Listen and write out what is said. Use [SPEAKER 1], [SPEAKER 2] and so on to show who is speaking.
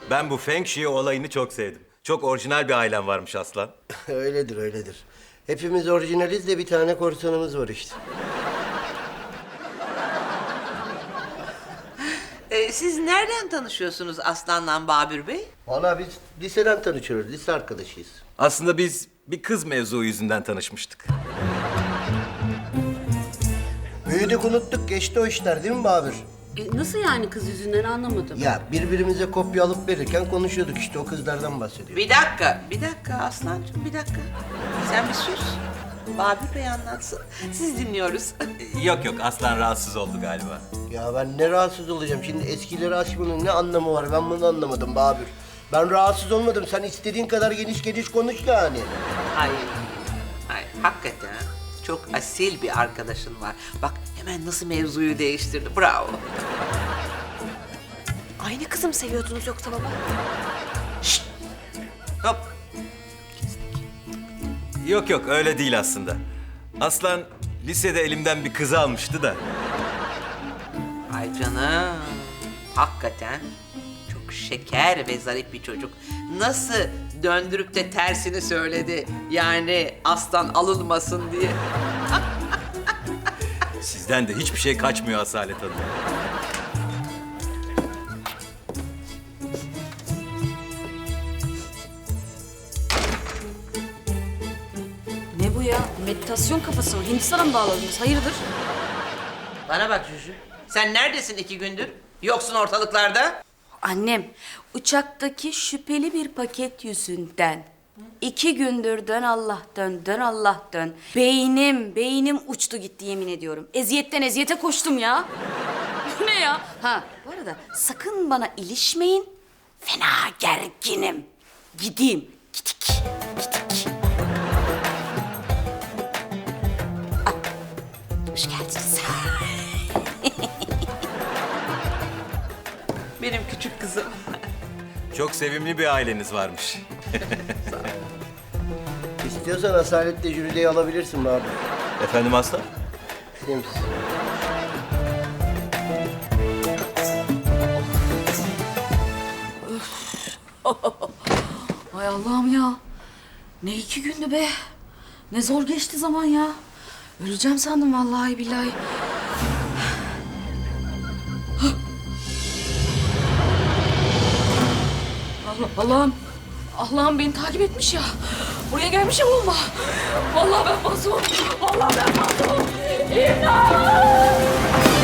[SPEAKER 1] Ben bu Feng Shui olayını çok sevdim. Çok orijinal bir ailem varmış Aslan.
[SPEAKER 2] Öyledir, öyledir. Hepimiz orijinaliz de bir tane korsanımız var işte.
[SPEAKER 3] Siz nereden tanışıyorsunuz Aslan'la Babür Bey?
[SPEAKER 2] Valla biz liseden tanışıyoruz, lise arkadaşıyız.
[SPEAKER 1] Aslında biz bir kız mevzu yüzünden tanışmıştık.
[SPEAKER 2] Büyüdük unuttuk, geçti o işler değil mi Babür?
[SPEAKER 4] Nasıl yani kız yüzünden anlamadım.
[SPEAKER 2] Ya birbirimize kopya alıp verirken konuşuyorduk işte, o kızlardan bahsediyor.
[SPEAKER 3] Bir dakika Aslancığım, bir dakika. Sen bir sus. Babür Bey anlatsın. Siz dinliyoruz.
[SPEAKER 1] Yok Aslan rahatsız oldu galiba.
[SPEAKER 2] Ya ben ne rahatsız olacağım şimdi, eskileri açmanın ne anlamı var, ben bunu anlamadım Babür. Ben rahatsız olmadım, sen istediğin kadar geniş konuş yani.
[SPEAKER 3] Hayır, hakikaten çok asil bir arkadaşın var. Bak hemen nasıl mevzuyu değiştirdi, bravo.
[SPEAKER 5] Aynı kızı mı seviyordunuz yoksa baba?
[SPEAKER 3] Hop.
[SPEAKER 1] Yok öyle değil aslında. Aslan lisede elimden bir kızı almıştı da.
[SPEAKER 3] Ay canım, hakikaten çok şeker ve zarif bir çocuk. Nasıl döndürüp de tersini söyledi, yani aslan alınmasın diye.
[SPEAKER 1] Sizden de hiçbir şey kaçmıyor Asalet Hanım.
[SPEAKER 4] Ne bu ya? Meditasyon kafası mı? Hindistan'a mı bağladınız? Hayırdır?
[SPEAKER 3] Bana bak Cücü, sen neredesin 2 gündür? Yoksun ortalıklarda.
[SPEAKER 4] Annem, uçaktaki şüpheli bir paket yüzünden 2 gündür dön Allah dön, dön Allah dön. Beynim uçtu gitti yemin ediyorum. Eziyetten eziyete koştum ya. Bu ne ya? Ha, bu arada sakın bana ilişmeyin. Fena gerginim. Gideyim. Gidik. Hoş geldiniz.
[SPEAKER 3] Benim küçük kızım.
[SPEAKER 1] Çok sevimli bir aileniz varmış.
[SPEAKER 2] İstiyorsan Asalet'le Jüride'yi alabilirsin Babür.
[SPEAKER 1] Efendim Aslan?
[SPEAKER 2] Sims.
[SPEAKER 4] Ay Allah'ım ya. Ne 2 gündü be. Ne zor geçti zaman ya. Öleceğim sandım vallahi billahi. Allah'ım beni takip etmiş ya. Buraya gelmişim olma. Vallahi ben masum. İmdat!